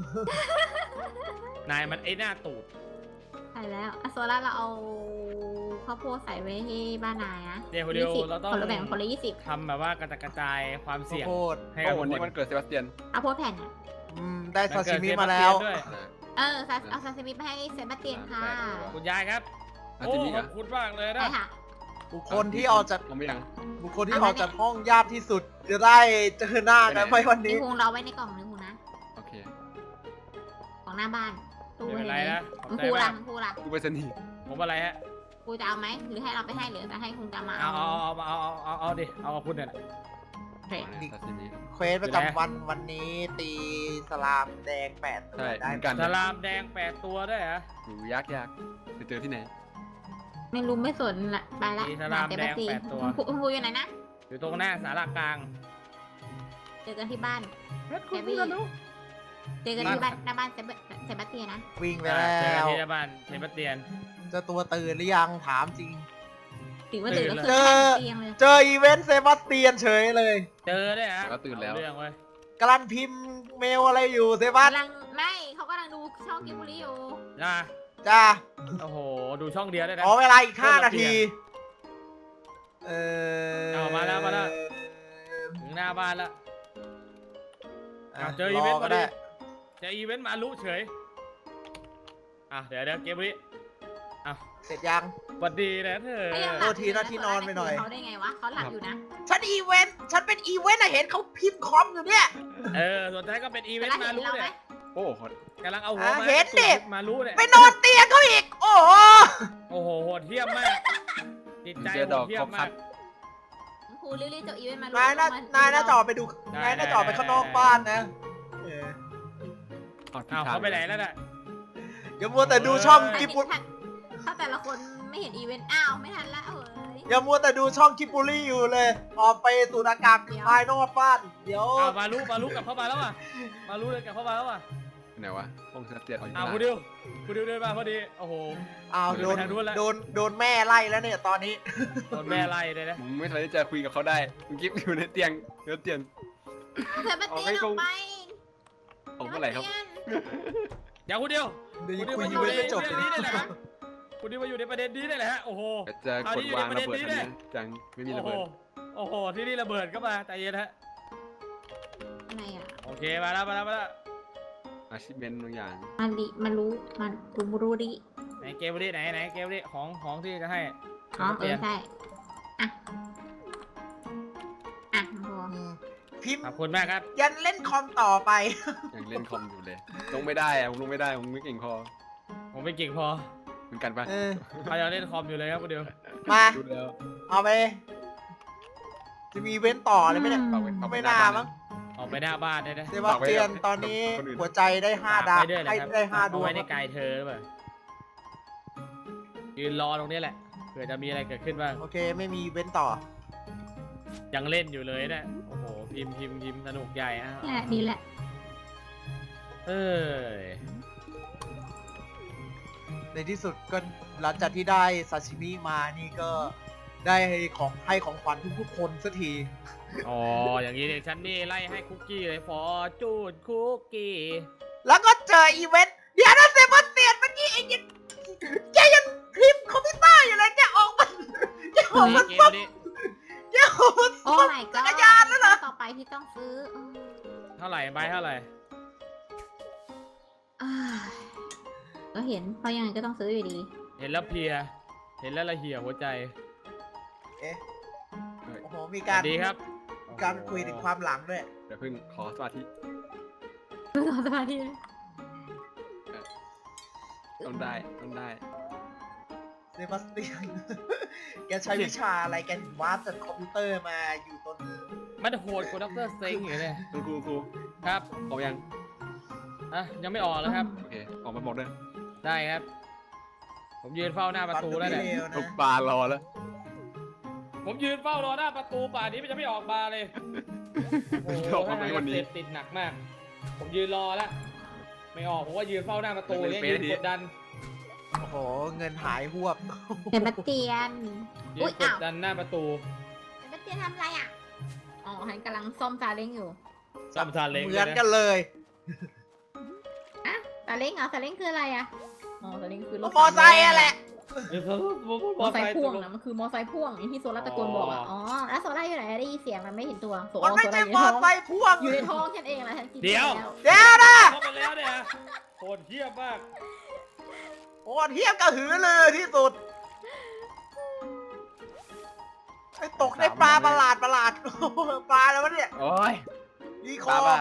[SPEAKER 4] ายมันไอ้หน้าตูด
[SPEAKER 2] ใช่แล้วอะโซล่าเราเอาข้าวโพดใส่ไว้ให้บ้านนายนะ
[SPEAKER 4] เดี๋ยวเดี๋ยว
[SPEAKER 2] ยี่สิบ
[SPEAKER 4] เราต้อง
[SPEAKER 2] คนละแบ่งคนละยี่สิบ
[SPEAKER 4] ทำแบบว่ากระจัดกระจายความเสี่ยง
[SPEAKER 3] โคตร
[SPEAKER 4] ให้
[SPEAKER 1] โอ้
[SPEAKER 4] กับ
[SPEAKER 1] วัน
[SPEAKER 4] ทุ
[SPEAKER 1] นี้
[SPEAKER 4] กค
[SPEAKER 1] มัน นเกิดเซบาสเตียน
[SPEAKER 2] เอาโพดแผ่นอ่ะ
[SPEAKER 3] อืมได้ซาซิมิ
[SPEAKER 4] เกิด
[SPEAKER 3] มาแล้ว
[SPEAKER 4] เซบสเตียนด้วย
[SPEAKER 2] เออซาเอาซาซิมิไปให้เซบาสเตียนค่ะ
[SPEAKER 4] คุณยายครับ
[SPEAKER 1] อา
[SPEAKER 4] โอ้
[SPEAKER 1] จิมิ
[SPEAKER 4] ข
[SPEAKER 1] ก
[SPEAKER 4] อบคุณมากเลยนะ
[SPEAKER 2] ใช่ค่ะ
[SPEAKER 3] บุคคลที่ออกจาก
[SPEAKER 1] ผมไม่ยัง
[SPEAKER 3] บุคคลที่ออกจากห้องยากที่สุด จะได้เจอหน้ากันไหมวัน
[SPEAKER 2] นี่
[SPEAKER 3] นี้
[SPEAKER 2] คงเราไว้ในกล่องนึงคงนะ
[SPEAKER 1] โอเค
[SPEAKER 2] ของหน้าบ้านตู้
[SPEAKER 4] ไม่เป็นไร
[SPEAKER 2] ไว้
[SPEAKER 4] นะข
[SPEAKER 2] คุ
[SPEAKER 4] อบ
[SPEAKER 2] ณ
[SPEAKER 4] ใจ
[SPEAKER 2] ครู
[SPEAKER 4] มา
[SPEAKER 2] ล่ะ
[SPEAKER 4] ก
[SPEAKER 2] คุณครูล่ะ
[SPEAKER 1] กูไปสนีย์
[SPEAKER 4] ผมอะไรฮะ
[SPEAKER 2] ครูจะเอาไหมหรือให้เราไปให้หรือจะให้คุณจะมา
[SPEAKER 4] เอาเอาเอาเอาเอาเอาเอาดิเอากับคุณเนี่ย
[SPEAKER 2] โอเค
[SPEAKER 1] ซาซิมิ
[SPEAKER 3] เควสประจำวันวันนี้ตีสลามแดงแปดตัว
[SPEAKER 1] ใช่
[SPEAKER 3] ได้
[SPEAKER 1] เหมือนกัน
[SPEAKER 4] สลามแดงแปดตัวด้วยเหรอ
[SPEAKER 1] อยู่ยากยากจะเจอที่ไหน
[SPEAKER 2] ไม่รู้ไม่สนละไปละ
[SPEAKER 4] มีสลาม
[SPEAKER 2] เซ
[SPEAKER 4] แด
[SPEAKER 2] บาง สเตีย
[SPEAKER 4] แป
[SPEAKER 2] น
[SPEAKER 4] ดตัว
[SPEAKER 2] คุณครูคุณครูอยู่ไหนนะ
[SPEAKER 4] อยู่ตรงหน้าสารากลาง
[SPEAKER 2] เจอกันที่บ้าน
[SPEAKER 4] คุณพูดกันรู้
[SPEAKER 2] เจอกันที่บ้านหน้าบ้านเซบาเซบาสเตียนนะ
[SPEAKER 3] วิ่งไป
[SPEAKER 4] เจอ
[SPEAKER 3] แล้
[SPEAKER 4] กัน
[SPEAKER 3] ว
[SPEAKER 4] ที่บ้านเทปเตียน
[SPEAKER 3] เจ้าตัวตื่นหรือยังถามจริง
[SPEAKER 2] ถึงว่าตื่นก็
[SPEAKER 4] ตื่
[SPEAKER 2] คื
[SPEAKER 4] น
[SPEAKER 2] อ
[SPEAKER 4] เลย
[SPEAKER 2] แค่เตียงเลย
[SPEAKER 3] เจออีเวนต์เซบาสเตียนเฉยเลย
[SPEAKER 4] เจอด้วยฮะ
[SPEAKER 1] แล้วตื่นแล้ว
[SPEAKER 4] เอาเรื่องเว้ย
[SPEAKER 3] กำลังพิมพ์เมลอะไรอยู่เซบาส
[SPEAKER 2] กำลังไม่เขากำลังดูช่องกิมบุรีอยู่
[SPEAKER 4] นะ
[SPEAKER 3] จ้า
[SPEAKER 4] โอ้โหดูช่องเดียวได้นะ
[SPEAKER 3] ขอเวลาอีกห้า
[SPEAKER 4] เพื่อนเรา
[SPEAKER 3] นาที เออ
[SPEAKER 4] เอามาแล้วมาแล้ว ถึงหน้าบ้านแล้ว
[SPEAKER 3] อ่ะ
[SPEAKER 4] เอาเจออีเวนต์
[SPEAKER 3] ร
[SPEAKER 4] พ
[SPEAKER 3] ก็
[SPEAKER 4] อดี
[SPEAKER 3] ได้
[SPEAKER 4] เจออีเวนต์มาลุเฉยอ่ะเดี๋ยวเดี๋ยวเกมนี้อ่ะ
[SPEAKER 3] เสร็จยัง
[SPEAKER 4] สวัสดีนะเธอ
[SPEAKER 2] เขายังห
[SPEAKER 3] โท
[SPEAKER 2] ลับ
[SPEAKER 3] ษทีนะที่นอนไปหน่อย
[SPEAKER 2] เขาได้ไงวะเขาหลับอยู่นะ
[SPEAKER 3] ฉันอีเวนต์ ฉันเป็นอีเวนต์อะเห็นเขาพิมพ์คอมอยู่เนี่ย
[SPEAKER 4] เออส่วนท้ายก็เป็นอีเวนต์มาลุเนี่ย
[SPEAKER 1] โอ้โห
[SPEAKER 4] กำลังเอาหัว
[SPEAKER 3] อ่ะ
[SPEAKER 4] มา
[SPEAKER 3] เห็นดิ
[SPEAKER 4] มาลุเนี่ย
[SPEAKER 3] ไปนอนเตียงเขาอีก โอ้โห
[SPEAKER 4] โอ้โหโหดเทียมมากจิตใจโหดเทียมมาก
[SPEAKER 2] ครูรีบๆจบอีเวนต์มา
[SPEAKER 3] นายน่า
[SPEAKER 2] ลงม
[SPEAKER 3] นายน่าจะออกไปดู
[SPEAKER 4] ได้
[SPEAKER 3] นายน่าจะออกไป
[SPEAKER 4] ได้
[SPEAKER 3] ข้างนอก
[SPEAKER 4] ได้
[SPEAKER 3] บ้านนะเออ
[SPEAKER 1] เอาผิด
[SPEAKER 4] อ้าว
[SPEAKER 1] ทาง
[SPEAKER 4] เขาไปไหนแล้วน่ะ
[SPEAKER 3] อย่ามัวแต่ดูช่อง
[SPEAKER 2] ถ้า
[SPEAKER 3] กิ
[SPEAKER 2] เห็น
[SPEAKER 3] บุ
[SPEAKER 2] ถ้าถ้าแต่ละคนไม่เห็นอีเวนต์อ้าวไม่ทันละเอ้ย
[SPEAKER 3] อย่ามัวแต่ดูช่องกิบุรี่อยู่เลย ออกไปสูดอากาศ
[SPEAKER 2] เดี๋ยว
[SPEAKER 3] ภายนอกบ้าน เดี๋ยว
[SPEAKER 4] อ้าวมาลุมาลุกลับเข้ามาแล้วอ่ะมาลุเลยกลับเข้ามาแล้วอ่ะ
[SPEAKER 1] ไหนวะห้องเซบาสเตียนเอาอยู่
[SPEAKER 4] อ้าว
[SPEAKER 1] ข้าง
[SPEAKER 4] คุณ
[SPEAKER 1] ล่าง
[SPEAKER 4] ดิวคุณดิวเดินมาพอดีโอ้โห
[SPEAKER 3] อ้าวโดน
[SPEAKER 4] ไปทางนู้นแล้ว
[SPEAKER 3] โดนโดนแม่ไล่แล้วเนี่ยตอนนี้
[SPEAKER 4] โดนแม่ไล่เลยนะ
[SPEAKER 1] มึงไม่ทันได้จะคุยกับเขาได้มึงกิ๊บอยู่ในเตียงเดี๋ยวเตียง
[SPEAKER 2] เธอมาเตียนออกไป
[SPEAKER 1] ของเมื่อไหร่ครับ
[SPEAKER 4] เดี๋ยวคุณดิว
[SPEAKER 3] เดี๋ยว
[SPEAKER 4] คุณดิว
[SPEAKER 3] คุย
[SPEAKER 4] มาอ
[SPEAKER 3] อยู่ ยู่
[SPEAKER 4] ใน
[SPEAKER 3] ไม่จบ
[SPEAKER 4] เรื่องนี้ได้เลยฮะคุณดิวมาอยู่ในประเด็นนี้ได้เลยฮะโอ้โห
[SPEAKER 1] จะกดวางระเบิด
[SPEAKER 4] เอาดิ
[SPEAKER 1] อันนี้จังไม่มี
[SPEAKER 4] โอ้
[SPEAKER 1] ระ
[SPEAKER 4] โห
[SPEAKER 1] เบิด
[SPEAKER 4] โอ้โหที่นี่ระเบิดก็มาใจเย็นฮะ
[SPEAKER 2] อะไรอ่ะ
[SPEAKER 4] โอเคมาแล้วมาแล้วมาแล้ว
[SPEAKER 1] อาชีพเบนบางอย่าง
[SPEAKER 2] มันดิมันรู้มันรู้รู้ดิ
[SPEAKER 4] ไหนเกมนี้ไหนไหนเกมนี้ของของที่จะให้
[SPEAKER 2] อ๋อเอ
[SPEAKER 4] เปลี่ย
[SPEAKER 2] อน ใช่อ่ะอ่ะพอ
[SPEAKER 3] อืมพิมพ์
[SPEAKER 4] ขอบคุณมากครับ
[SPEAKER 3] ยันเล่นคอมต่อไป
[SPEAKER 1] ยังเล่นคอมอยู่เลยลงไม่ได้อะผมลงไม่ได้ผมไม่เก่งพอ
[SPEAKER 4] ผมไม่เก่งพอ
[SPEAKER 1] เหมือนกันปะ
[SPEAKER 3] เออ
[SPEAKER 4] เขายังเล่นคอมอยู่เลยครับคุณดิว
[SPEAKER 3] มา
[SPEAKER 1] ดูแล้ว
[SPEAKER 3] เอาไป จะมีอีเว้นต์ต่อเลยไหมเนี่ย
[SPEAKER 1] เอาไปเอาไป
[SPEAKER 3] ไม่
[SPEAKER 1] หน้า
[SPEAKER 3] น่า
[SPEAKER 1] บ้าน
[SPEAKER 3] มั้ง
[SPEAKER 4] ออกไปหน้าบ้านได้นะ
[SPEAKER 3] เซบาสเตียนตอนนี้หัวใจได้ห้าดาว
[SPEAKER 4] ฝกได้วยนะ
[SPEAKER 3] ให้
[SPEAKER 4] ครับ
[SPEAKER 3] ได้ห้าด
[SPEAKER 4] เอา
[SPEAKER 3] วง
[SPEAKER 4] ไว้ในกายเธอหรือเปล่ายืนรอตรงนี้แหละเผื่อจะมีอะไรเกิดขึ้นบ้าง
[SPEAKER 3] โอเคไม่มีเว้นต่อ
[SPEAKER 4] ยังเล่นอยู่เลยเนะโอ้โหพิมพ์พิมพ์พิมพ์สนุกใหญ่อะ
[SPEAKER 2] แหละนี่แหละ
[SPEAKER 4] เออ
[SPEAKER 3] ในที่สุดก็หลังจากที่ได้ซาชิมิมานี่ก็ได้ของให้ของขวัญทุกๆคนสักที
[SPEAKER 4] อ๋ออย่างนี้เนี่ยฉันนี่ไล่ให้คุกกี้เลยฟอร์จูนคุกกี้
[SPEAKER 3] แล้วก็เจออีเวนต์เดี๋ยวนะเซบาสเตียนเมื่อกี้ไอ้ยังแกยังคลิปคอมพิวเตอร์อยู่เลยแกออกมาแกออกมา
[SPEAKER 4] เก
[SPEAKER 3] ซ่อ
[SPEAKER 4] ม
[SPEAKER 3] ม
[SPEAKER 4] นี้
[SPEAKER 3] แกออกมา
[SPEAKER 2] โอ้
[SPEAKER 3] ซ่อม
[SPEAKER 2] my
[SPEAKER 3] จั
[SPEAKER 2] god
[SPEAKER 3] กรยานแล้วเหรอ
[SPEAKER 2] ต่อไปที่ต้องซื้ออืม
[SPEAKER 4] เท่าไหร่ใบเท่าไหร่
[SPEAKER 2] อ่าก็เห็นเพราะยังไงก็ต้องซื้ออยู่ดี
[SPEAKER 4] เห็นแล้วเพลีย เห็นแล้วละเหี่ยหัวใจ
[SPEAKER 3] เอ๊ะโอ้โหมี
[SPEAKER 4] ส
[SPEAKER 3] การ
[SPEAKER 4] วัสดีครับ
[SPEAKER 3] มีการคุยถึงความหลังด้วย
[SPEAKER 1] เดี๋ยวเพิ่งขอสมาธิ
[SPEAKER 2] รอสมาธิ
[SPEAKER 1] ต้องได้ต้องได้
[SPEAKER 3] เซบาสเตียน แกใช้วิชาอะไรแกถึงวาดจากคอมพิวเตอร์มาอยู่ตรงนี้
[SPEAKER 4] มันโหดกว่าด็อกเตอร์เซ็งอยู่เนี่ย
[SPEAKER 1] คุณครูครู
[SPEAKER 4] ครับ
[SPEAKER 1] ออกยัง
[SPEAKER 4] อ่ะยังไม่ออกแล้วครับ
[SPEAKER 1] โอเคออกมาบอกด้วย
[SPEAKER 4] ได้ครับ ผมยืนเฝ้าหน้าประตูแล้วเนี่ย
[SPEAKER 3] ฟันก็ไม่เลว
[SPEAKER 1] ทุก
[SPEAKER 3] นะ
[SPEAKER 1] ปลารอแล้ว
[SPEAKER 4] ผมยืนเฝ้ารอหน้าประตูป่านนี้มันจะไม่ออกมาเลยโอ้โห
[SPEAKER 1] ออกมาไหมวันนี้
[SPEAKER 4] เสพติดหนักมาก ผมยืนรอแล้วไม่ออกผมว่ายืนเฝ้าหน้าประตูเนี่ยยืนกดดัน
[SPEAKER 3] โอ้โห เงินหายหวบ
[SPEAKER 2] เห็นมาเตียน
[SPEAKER 4] ยื
[SPEAKER 2] อุ๊
[SPEAKER 4] น
[SPEAKER 2] ย
[SPEAKER 4] ก
[SPEAKER 2] อ้า
[SPEAKER 4] ด
[SPEAKER 2] ว
[SPEAKER 4] ดันหน้าประตู
[SPEAKER 2] เห็นมาเตียนทำอะไรอ่ะ อ๋อฉันกำลังซ่อมซาเล้งอยู่
[SPEAKER 4] ซ่อมซาเล้ง
[SPEAKER 3] เหมือนกันเลย
[SPEAKER 2] อะซาเล้งเหรอซาเล้งคืออะไรอ่ะ อ๋อซาเล้งคือรถ
[SPEAKER 3] มอไซค์อะแหละ
[SPEAKER 4] เออม
[SPEAKER 2] ม
[SPEAKER 4] อ
[SPEAKER 2] อ
[SPEAKER 4] ไซ
[SPEAKER 2] ไซ
[SPEAKER 4] ค์
[SPEAKER 2] ค์พ่วงนะมันคือมอไซค์พ่วงอย่างที่โซล่าตะโกนบอกอ่ะ อ๋อ แล้วโซล่าอยู่ไหนได้ยินเสียงมันไม่เห็นตัวโซ
[SPEAKER 3] มันไม่
[SPEAKER 2] โซ
[SPEAKER 3] ใช่
[SPEAKER 2] ล่าม
[SPEAKER 3] อ
[SPEAKER 2] อยู่ในท้อง
[SPEAKER 3] ไซค์พ่วง
[SPEAKER 2] อยู่ในท้องฉันเองแหละฉันกินไปแล้ว
[SPEAKER 3] เดี๋ยวนะ
[SPEAKER 4] เข้าไปแล้วเนี่ยโหดเหี้ยมาก
[SPEAKER 3] โอ้เทียบกระหือเลยที่สุด ไอ้ตกในปลาประหลาดประหลาด ปลาแล้ววะเนี่ย
[SPEAKER 1] โอ้ย
[SPEAKER 3] ดีค
[SPEAKER 1] ป
[SPEAKER 3] อ
[SPEAKER 1] ลาบ้า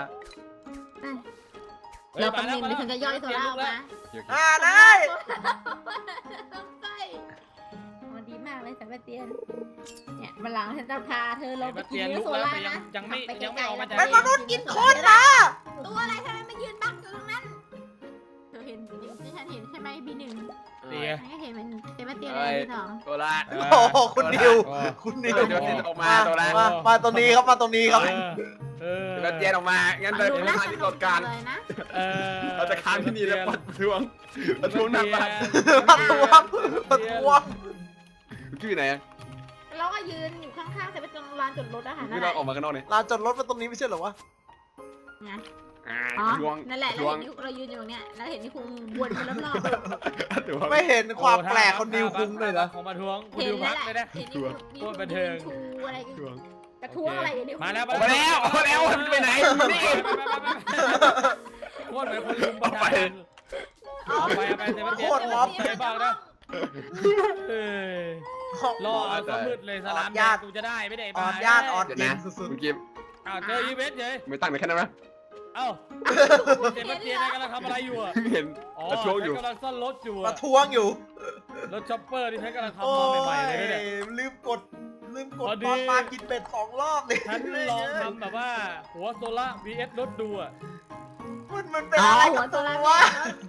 [SPEAKER 2] เราคำนึงเดี๋ยวฉันจะย่อยโซล่าออกมา
[SPEAKER 1] โอเคโอเค
[SPEAKER 3] อ่าได้
[SPEAKER 2] ใช่มันดีมากเลยสัมปเตียน เนี่ยวันหลังฉันจะพาเธอลงไปกินเนื้อโซล่านะ
[SPEAKER 4] ยังไม่
[SPEAKER 2] ขับป
[SPEAKER 4] ยังไม่
[SPEAKER 2] กลๆ
[SPEAKER 4] ออกมาจาก
[SPEAKER 3] เป็นมนุษย์กินคนนะ
[SPEAKER 2] ตัวอะไรทำไมมายืนบังอยู่ตรงนั้น เธอเห็นที่ฉันเห็นใช่ไหมบีหนึ่ง
[SPEAKER 4] เตีย
[SPEAKER 2] ฉันก็เห็นมันเซบาสเตียนเลยบีสอง
[SPEAKER 1] ตัวละ
[SPEAKER 4] เออ
[SPEAKER 3] โอ้โหคุณนิว
[SPEAKER 4] เออ
[SPEAKER 3] คุณนิว
[SPEAKER 1] เดี๋ยวเดี๋ยวออกมาตัวละ
[SPEAKER 3] มามาตรงนี้ครับ มาตรงนี้ครับ
[SPEAKER 4] เออเออ
[SPEAKER 1] เดี๋ยวเตียนออกมา งั้นเรา
[SPEAKER 2] ดู
[SPEAKER 1] จะ
[SPEAKER 2] น่า
[SPEAKER 1] มา
[SPEAKER 2] ส
[SPEAKER 1] ที่
[SPEAKER 2] นุ
[SPEAKER 1] ก
[SPEAKER 2] ก
[SPEAKER 1] ฎ
[SPEAKER 2] จั
[SPEAKER 1] กาง ร
[SPEAKER 2] เลยนะ
[SPEAKER 4] เออ
[SPEAKER 1] เราจะค้างที่นี่แล้วปัดทวงปัดทวงหน้าบ้าน
[SPEAKER 3] ประท้วงประท้วง
[SPEAKER 1] ชื่อไหนอะ
[SPEAKER 2] เราก็ยืนอยู่ข้างๆเซบาสเตียนลานจอดรถอะค่ะนั่
[SPEAKER 1] ที่
[SPEAKER 2] นแห
[SPEAKER 1] เรา
[SPEAKER 2] ละ
[SPEAKER 1] ออกมาข้างนอกเนี่ย
[SPEAKER 3] ลานจอดรถมาตรงนี้ไม่ใช่เหรอวะ
[SPEAKER 2] นะ
[SPEAKER 1] อ่า
[SPEAKER 2] อ๋อ
[SPEAKER 1] ทวง
[SPEAKER 2] นั่นแหละ
[SPEAKER 1] ท
[SPEAKER 2] เรา
[SPEAKER 1] วง
[SPEAKER 2] เห็นนิ้วเรายืนอยู่ตรงเนี้ยแล้วเห็นนี่คุงวนไปรอบ
[SPEAKER 1] ทวง
[SPEAKER 3] ไม่เห็นความแปลกของนิวคุงเลยเหรอ
[SPEAKER 4] ของมาทวง
[SPEAKER 2] ๆ
[SPEAKER 4] คุณ
[SPEAKER 2] เห็
[SPEAKER 4] ดิ
[SPEAKER 2] น
[SPEAKER 4] ว
[SPEAKER 2] แล้
[SPEAKER 4] พั
[SPEAKER 2] ว
[SPEAKER 4] ก
[SPEAKER 2] แหละ
[SPEAKER 4] เลยนะ
[SPEAKER 2] เห็นนี่มี
[SPEAKER 4] โคตรบันเทิง
[SPEAKER 2] ชูอะไร
[SPEAKER 1] ทวง
[SPEAKER 2] กระท้วงอะไรอย่างนี้
[SPEAKER 4] มาแล้ว
[SPEAKER 1] ออกมาแล้วออกมาแล้วมันจะไปไหนนี่
[SPEAKER 4] โคตรเหมือนคนลุมประชาชนเอาไปเอาไปเซบาสเตียน
[SPEAKER 3] โคตรม็อบ
[SPEAKER 4] ใจบ้างนะเออรอเอาซะมืดเลยสลามแดงกูจะได้ไม่ได้
[SPEAKER 3] อ่
[SPEAKER 4] มา
[SPEAKER 3] อนญาติอ่อน
[SPEAKER 1] เดี๋ยว
[SPEAKER 3] เย็
[SPEAKER 1] นะ
[SPEAKER 3] นสุด
[SPEAKER 1] คุณกิฟ
[SPEAKER 4] อ้าวเจออีเวนต์เฉย
[SPEAKER 1] ไม่ตั้งแต่แค่นั้นนะ
[SPEAKER 4] เอ้าเซบาสเตียนกำลังทำอะไรอยู่อ่ะ
[SPEAKER 1] เห็น
[SPEAKER 4] อ๋อ
[SPEAKER 1] ประท้วงอยู่
[SPEAKER 4] ฉันกำลังซ่อนรถอยู่
[SPEAKER 3] ๆป
[SPEAKER 4] อะ
[SPEAKER 3] ระท้วงอยู่
[SPEAKER 4] รถช็อปเปอร์ที่ฉันกำลัง
[SPEAKER 3] โอ้
[SPEAKER 4] ทำมาใหม่ๆเลยเนี่ย
[SPEAKER 3] ยลืมกด ลืมกด
[SPEAKER 4] พอดี
[SPEAKER 3] ตอนมากินเป็ดสองรอบเลย
[SPEAKER 4] ฉันลองทำแบบว่า หัวโซล่า วี เอส รถดูอ่ะ
[SPEAKER 3] มันมันเป็น
[SPEAKER 2] อ๋อ
[SPEAKER 3] อะไร
[SPEAKER 2] หั
[SPEAKER 3] กั
[SPEAKER 2] ว
[SPEAKER 3] บ
[SPEAKER 2] โซ
[SPEAKER 3] ตัว
[SPEAKER 2] ล่าร์
[SPEAKER 3] วะ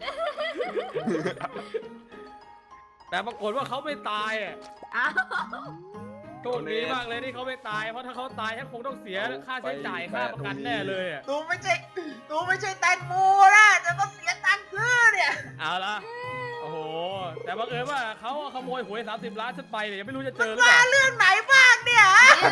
[SPEAKER 4] แต่ปรากฏว่าเขาไม่ตายอ่ะ
[SPEAKER 2] อ้าว
[SPEAKER 4] โชคดีมากเลยที่เขาไม่ตาย เพราะถ้าเขาตายฉันคงต้องเสียค่าใช้จ่ายค่าประกันแน่เลยอ่ะ
[SPEAKER 3] ตูไม่ใช่ตูไม่ใช่แตงโมนะแต่ก็เสียตังค์ซื้อเนี่ย
[SPEAKER 4] เอาละโอ้โห แต่บังเอิญว่าเขาขโมยหวยสามสิบล้านฉันไปเนี่ยยังไม่รู้จะเจอหรือเป
[SPEAKER 3] มา
[SPEAKER 4] ล่า
[SPEAKER 3] เรื่องไหนบ้างเนี่ย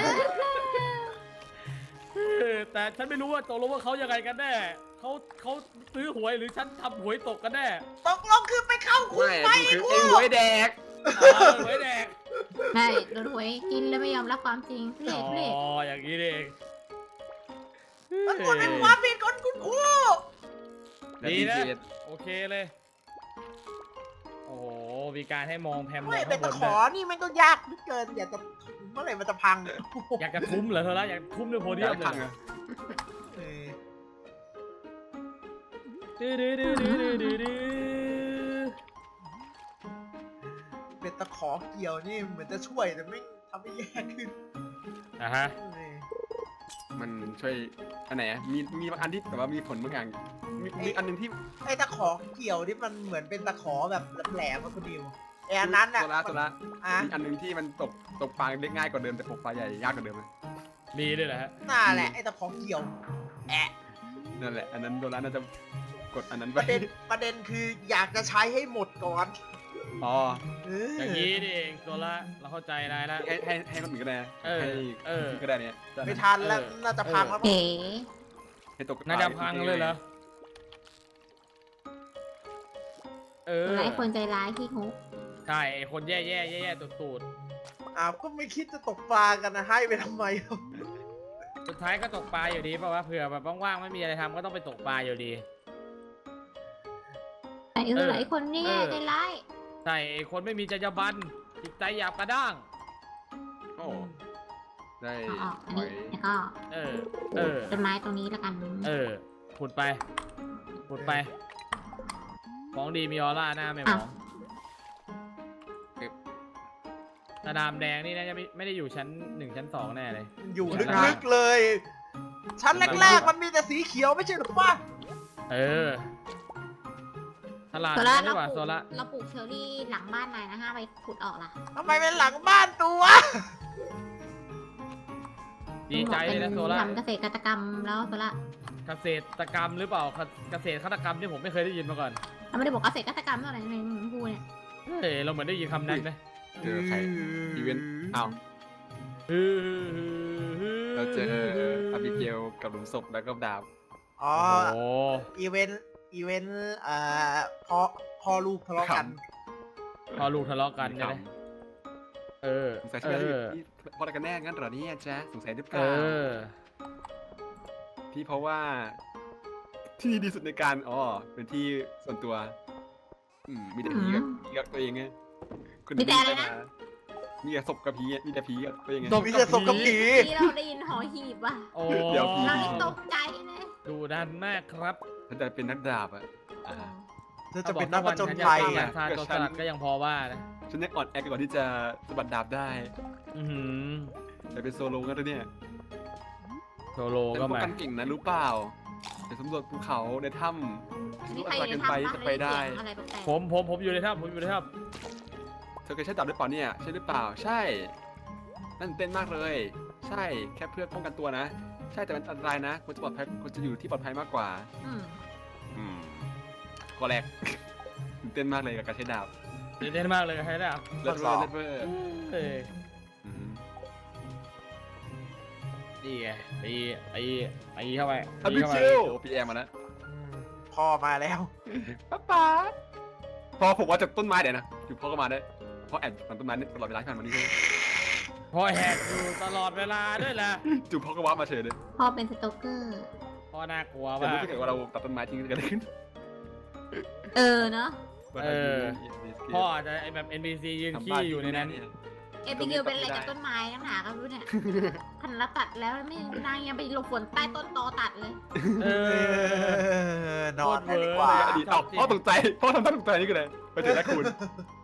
[SPEAKER 4] เออแต่ฉันไม่รู้ว่าตกลงว่าเขายังไงกันแน่เขาเขาซื้อหวยหรือฉันทำหวยตกกันแน่
[SPEAKER 3] ตกลงคือไปเข้าคุก
[SPEAKER 1] ไม่
[SPEAKER 3] ไหม
[SPEAKER 1] คือ
[SPEAKER 3] ไอ้
[SPEAKER 1] ไอ้
[SPEAKER 3] กู
[SPEAKER 1] หวยแดก
[SPEAKER 4] เอาหวยแดก
[SPEAKER 2] ใช่โดนหวยกินแล้วไม่ยอมรับความจริงพี่
[SPEAKER 4] อ๋
[SPEAKER 2] เอกพี่
[SPEAKER 4] ออย่างนี้เอง
[SPEAKER 3] มันควรเป็นความผิดของคุณครู
[SPEAKER 4] ดีนะ โอเคเลย โอ้โห มีการให้มองแพมมอ
[SPEAKER 3] ไม่
[SPEAKER 4] ง
[SPEAKER 3] เป็
[SPEAKER 4] ข้าน งบ
[SPEAKER 3] ตะ
[SPEAKER 4] น
[SPEAKER 3] ข
[SPEAKER 4] ด้
[SPEAKER 3] อ
[SPEAKER 4] วย
[SPEAKER 3] นี่มันก็ยากเหลือเกิน อยากจะเมื่อไหร่มันจะพัง
[SPEAKER 4] อยากจะทุ่มเหรอเธอละอยากทุ่มด้วยโพเดียมเลย
[SPEAKER 1] พัง
[SPEAKER 4] เหร
[SPEAKER 1] อะ
[SPEAKER 3] เออ
[SPEAKER 4] ดื้อดื้อดื้อดื้อดื้อดื้อดื้อ
[SPEAKER 3] เป็นตะขอเกี่ยวนี่เหมือนจะช่วยแต่ไม่ทำให้แย่ขึ้น
[SPEAKER 4] อ่ะฮะ
[SPEAKER 3] เออ
[SPEAKER 1] มันช่วยอันไหนอะมีมีบางอันที่แบบว่ามีผลบางอย่างมีมีอันหนึงที่
[SPEAKER 3] ไอ้ตะขอเกี่ยวที่มันเหมือนเป็นตะขอแบบแหลมๆอะคุณดิวไอ้อันนั้นอ่ะ
[SPEAKER 1] โซล่าโซล่า
[SPEAKER 3] อ่ะ
[SPEAKER 1] มีอันหนึงที่มันตกตกปลาเล็กง่ายกว่าเดิมแต่ตกปลาใหญ่ยากกว่าเดิมเลย
[SPEAKER 4] ดีเลยเหรอฮะ
[SPEAKER 3] น่าแหละไอ้ตะขอเกี่ยวแอะ
[SPEAKER 1] นั่นแหละอันนั้นโดนแล้วน่าจะกดอันนั้น
[SPEAKER 3] ป
[SPEAKER 1] ไป
[SPEAKER 3] ระเด็นประเด็นคืออยากจะใช้ให้หมดก่อน
[SPEAKER 1] อ๋อ
[SPEAKER 3] เออ
[SPEAKER 4] อย่างนี้นี่เองโซล่าเราเข้าใจนายละ
[SPEAKER 1] ให้ให้ให้คนอื่นก็ได้
[SPEAKER 4] เออ
[SPEAKER 1] ให้
[SPEAKER 4] เออ
[SPEAKER 1] ก็ได้เนี่ย
[SPEAKER 3] ไม่ทันแล้ว
[SPEAKER 4] เออ
[SPEAKER 3] น่าจะพังแล้ว
[SPEAKER 2] เอ๋
[SPEAKER 1] ให้ตก
[SPEAKER 4] น่าจะพังเลยเหรอเออ
[SPEAKER 2] หลายคนใจร้ายที่ฮุก
[SPEAKER 4] ใช่ไอ้คนแย่แย่แย่แย่ตูดตูด
[SPEAKER 3] อ้าวก็ไม่คิดจะตกปลากันนะให้ไปทำไม
[SPEAKER 4] สุดท้ายก็ตกปลาอยู่ดีเพราะว่าเผื่อแบบว่างๆไม่มีอะไรทำก็ต้องไปตกปลาอยู่ดี
[SPEAKER 2] แต่เออหลายคนนี่
[SPEAKER 4] เออ
[SPEAKER 2] ใจร้าย
[SPEAKER 4] ใช่ไอ้คนไม่มีจรรยาบรรณจิตใจหยาบกระด้าง
[SPEAKER 1] โอ้ได้
[SPEAKER 2] เอาออกอัน
[SPEAKER 1] หอ
[SPEAKER 2] นี้
[SPEAKER 1] ย
[SPEAKER 2] แล้วก็
[SPEAKER 4] เออ เออ
[SPEAKER 2] ต้นไม้ตรงนี้แล้วกัน
[SPEAKER 4] เออขุดไปขุดไปของดีมีออร่าหน้าไม่มองตาดามแดงนี่น่าจะไม่ไม่ได้อยู่ชั้นหนึ่งชั้นสองแน่เลย
[SPEAKER 3] อยู่ลึกๆเลย ชั้นแรกๆมันมีแต่สีเขียวไม่ใช่หรือปะ
[SPEAKER 4] เออตลาด
[SPEAKER 2] โซ
[SPEAKER 4] นี้
[SPEAKER 2] ล่า
[SPEAKER 4] ดี
[SPEAKER 2] เรา
[SPEAKER 4] กว่า
[SPEAKER 2] ปลู
[SPEAKER 4] โซ
[SPEAKER 2] ก
[SPEAKER 4] ล่า
[SPEAKER 2] เราปลูกเชอร์รี่หลังบ้านนายนะฮะไปขุดออกล่ะ
[SPEAKER 3] ทำไมเป็นหลังบ้านตัว
[SPEAKER 4] ดีใจเลยนะโซล่า
[SPEAKER 2] ทำเกษตรกรรมแล้วโซล่า
[SPEAKER 4] เกษตรกรรมหรือเปล่าเกษตรฆาตกรรมที่ผมไม่เคยได้ยินมาก่อน
[SPEAKER 2] เราไม่ได้บอกเกษตรกรรมเท่าไหร่ในมึงพูดเนี่ย
[SPEAKER 4] เฮ้ยเราเหมือนได้ยินคำนั้นไหม
[SPEAKER 1] เจอใครอีเวนต์อ้าว เราเจออาบิเกลกับหลุมศพแล้วก็ดาบ
[SPEAKER 3] อ๋อ
[SPEAKER 4] โอ้
[SPEAKER 3] อีเวนต์ อีเวนต์ เอ่อพ่อพ่อลูกทะเลาะกัน
[SPEAKER 4] พอลูกทะเลาะกันใช่ไหมเออ
[SPEAKER 1] สงสัย
[SPEAKER 4] เอ
[SPEAKER 1] ใช่ไหม
[SPEAKER 4] อ
[SPEAKER 1] พี่พอกันแน่งั้นเหรอเนี่ยจ๊ะสงสัยหรือเป
[SPEAKER 4] เอ
[SPEAKER 1] ล่า
[SPEAKER 4] อ
[SPEAKER 1] พี่เพราะว่า ที่ดีสุดในการอ๋อเป็นที่ส่วนตัว อืมมีแต่ผีกับผีกับตัวเองไงคุณ
[SPEAKER 2] มีแต่อะไรนะ
[SPEAKER 1] มีแต่ศพกับผีอะมีแต่ผีกับตัวเองไง
[SPEAKER 4] ศพ
[SPEAKER 3] มีแต่ศพกับผี
[SPEAKER 2] ที่เราได้ยินหอหีบว่ะ
[SPEAKER 4] โอ้
[SPEAKER 1] เดี๋ยวพี่
[SPEAKER 2] เราได้ตกใจเลย
[SPEAKER 4] ดูดันมากครับ
[SPEAKER 1] ถ้าจะเป็นนักดาบอะอ่า
[SPEAKER 3] เธอจะเป็นนักผจญ
[SPEAKER 4] ฉั
[SPEAKER 3] ภัย
[SPEAKER 4] จะ
[SPEAKER 3] อ่ะ
[SPEAKER 4] ทานโจรสลัดก็ยังพอว่านะ
[SPEAKER 1] ฉันยังอ่อนแอกว่าที่จะสะบัดดาบได้
[SPEAKER 4] อือหือ
[SPEAKER 1] แต่เป็นโซโล่กันตัวเนี่ย
[SPEAKER 4] โซโล
[SPEAKER 1] แต่
[SPEAKER 4] ก็
[SPEAKER 1] ป้อง
[SPEAKER 4] มา
[SPEAKER 1] กันเก่งนะรู้เปล่าไปสำรวจภูเขาในถ้ำ
[SPEAKER 2] นี่
[SPEAKER 1] รู้
[SPEAKER 2] ใคร
[SPEAKER 1] อะไร
[SPEAKER 2] อยู่
[SPEAKER 1] กัน
[SPEAKER 2] ใน
[SPEAKER 1] ไป
[SPEAKER 2] ถ้ำปะ
[SPEAKER 1] จะไปได้
[SPEAKER 2] เสียงอะไรแปลกๆ
[SPEAKER 4] ผมผมผมอยู่ในถ้ำผมอยู่ในถ้
[SPEAKER 1] เธอเคยใช้ดาบหรือเปล่าเนี่ยใช่หรือเปล่าใช่นั่นเต้นมากเลย ใช่แค่เพื่อป้องกันตัวนะ ใช่แต่มันอันตรายนะควรจะปลอดภัยควรจะอยู่ที่ปลอดภัยมากกว่า
[SPEAKER 2] อืม
[SPEAKER 1] อืมข้อแรก ตื่นเต้นมากเลยกับการใช้ดาบ
[SPEAKER 4] ำตื่นเต้นมากเลยใช่ไหมครับ
[SPEAKER 1] เลิศเวอร์เลิศเวอร์
[SPEAKER 4] เอ้ย
[SPEAKER 1] อืม
[SPEAKER 4] นี่ไงตีตีตีเข้าไป
[SPEAKER 1] อา
[SPEAKER 4] ตี
[SPEAKER 1] บิ
[SPEAKER 4] เข้า
[SPEAKER 1] เก
[SPEAKER 4] ไป
[SPEAKER 1] ลพี่แอมมาแล้ว
[SPEAKER 3] อืมพ่อมาแล้ว
[SPEAKER 1] ป๊าป๊าพอผมว่าจากต้นไม้เดี๋ยวนะอยู่พ่อก็มาได้พ่อแอบอยู่บนต้นไม้นี่ตลอดเวลาที่ผ่านมานี่ใช่ไหม
[SPEAKER 4] พอแหกอยู่ตลอดเวลาด้วยแหละ
[SPEAKER 1] จู่พ่อก็ว่ามาเฉยเลย
[SPEAKER 2] พ่อเป็นสโตเกอร์
[SPEAKER 4] พอน่ากลัว
[SPEAKER 1] แต่
[SPEAKER 4] มาก
[SPEAKER 1] รู้สึกว่าเราตัดต้นไม้ทิ้งกันเลยขึ้น
[SPEAKER 2] เออเนาะ
[SPEAKER 4] เออพ่ออาจจะไอแบบ เอ็น พี ซี ยืนขี้อยู่ในนั้น
[SPEAKER 2] เอพิเกลเป็นอะไรกับต้นไม้นักหนาก็ไม่รู้เนี่ยพันละตัดแล้วไม่นางยังไปหลบฝนใต้ต้นตอตัดเลย
[SPEAKER 4] เอ
[SPEAKER 3] เอ
[SPEAKER 4] อ
[SPEAKER 3] อนอนกันดีกว่า
[SPEAKER 1] อดีตเอ้าพ่อตกใจพ่อทำท่าตกใจนี่คืออะไรไปเจอแล้วคุณ